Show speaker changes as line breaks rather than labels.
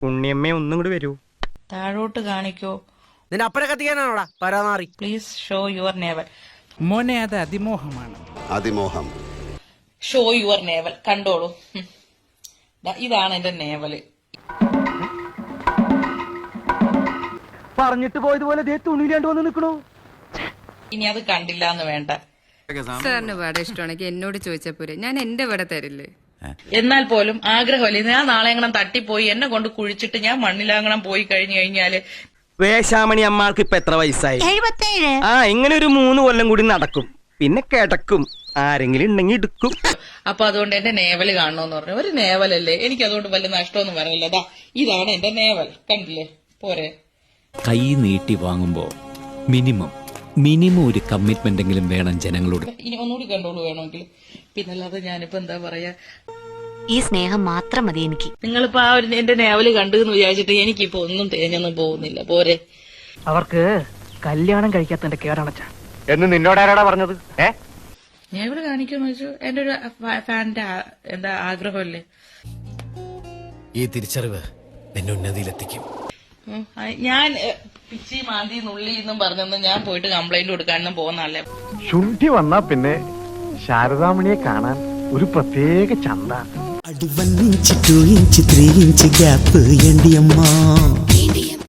ഉണ്ണിയമ്മേ ഒന്നും കൂടി വരൂ.
താഴോട്ട് കാണിക്കോ.
നിന്നെ അപ്പഴ കത്തിക്കാനാണോടാ പരാമാറി.
Please show your navel.
മോനെ അത് അതിമോഹമാണ്.
അതിമോഹം.
Show your navel. കണ്ടോളൂ. ഇതാണ് എന്റെ നേവല്.
പറഞ്ഞിട്ട് പോയതുപോലെ തുണിയിലാണ്ട് വന്ന് നിൽക്കണോ.
ഇനി അത് കണ്ടില്ല എന്ന് വേണ്ട.
സാറിന് വട ഇഷ്ടമാണെങ്കിൽ എന്നോട് ചോദിച്ചാ പോരെ, ഞാൻ എന്റെ വട തരില്ലേ.
എന്നാൽ പോലും ആഗ്രഹമല്ലേ, ഞാൻ നാളെ എങ്ങനെ തട്ടിപ്പോയി എന്നെ കൊണ്ട് കുഴിച്ചിട്ട് ഞാൻ മണ്ണിലാങ്ങണം പോയി കഴിഞ്ഞു കഴിഞ്ഞാല്.
വേശാമണി അമ്മാൾക്ക് ഇപ്പൊ എത്ര വയസ്സായി? 77. ആ, ഇങ്ങനെ ഒരു 3 കൊല്ലം കൂടി നടക്കും, പിന്നെ കിടക്കും, ആരെങ്കിലും ഉണ്ടെങ്കിൽ എടുക്കും.
അപ്പൊ അതുകൊണ്ട് എന്റെ നേവല് കാണണമെന്ന് പറഞ്ഞു. ഒരു നേവലല്ലേ, എനിക്ക് അതുകൊണ്ട് വലിയ നഷ്ടമൊന്നും വരണില്ല. ഇതാണ് എന്റെ നേവൽ, കണ്ടില്ലേ പോരെ.
കൈ നീട്ടി വാങ്ങുമ്പോ മിനിമം ഒരു കമ്മിറ്റ്മെന്റ് എങ്കിലും വേണം ജനങ്ങളോട്.
ഇനി ഒന്നുകൂടി കണ്ടോളൂ വേണമെങ്കിൽ. പിന്നല്ലാതെ ഞാനിപ്പോ എന്താ പറയാ,
ഈ സ്നേഹം മാത്രം മതി എനിക്ക്.
നിങ്ങളിപ്പോ ആ ഒരു എന്റെ നേവല് കണ്ടു എന്ന് വിചാരിച്ചിട്ട് എനിക്കിപ്പോ ഒന്നും തേഞ്ഞൊന്നും പോകുന്നില്ല പോരെ.
അവർക്ക് കല്യാണം കഴിക്കാത്തതിന്റെ കേടാണച്ച
എന്ന് നിന്നോടാരാടാ പറഞ്ഞത്?
നേവല് കാണിക്കാന്ന് വെച്ചു എന്റെ ഒരു ഫാനിന്റെ എന്താ ആഗ്രഹമല്ലേ.
ഈ തിരിച്ചറിവ് എന്നെ ഉന്നതിയിലെത്തിക്കും.
ഞാൻ പിച്ചി മാന്തി നുള്ളി എന്നും പറഞ്ഞൊന്നും ഞാൻ പോയിട്ട് കംപ്ലൈന്റ് കൊടുക്കാനൊന്നും പോകുന്നല്ലേ.
ശുണ്ഠി വന്നാ പിന്നെ ശാരദാമണിയെ കാണാൻ ഒരു പ്രത്യേക ചന്ത.
1 ഇഞ്ച് 2 ഇഞ്ച് 3 ഇഞ്ച് ഗ്യാപ്പ് എന്റിയമ്മ.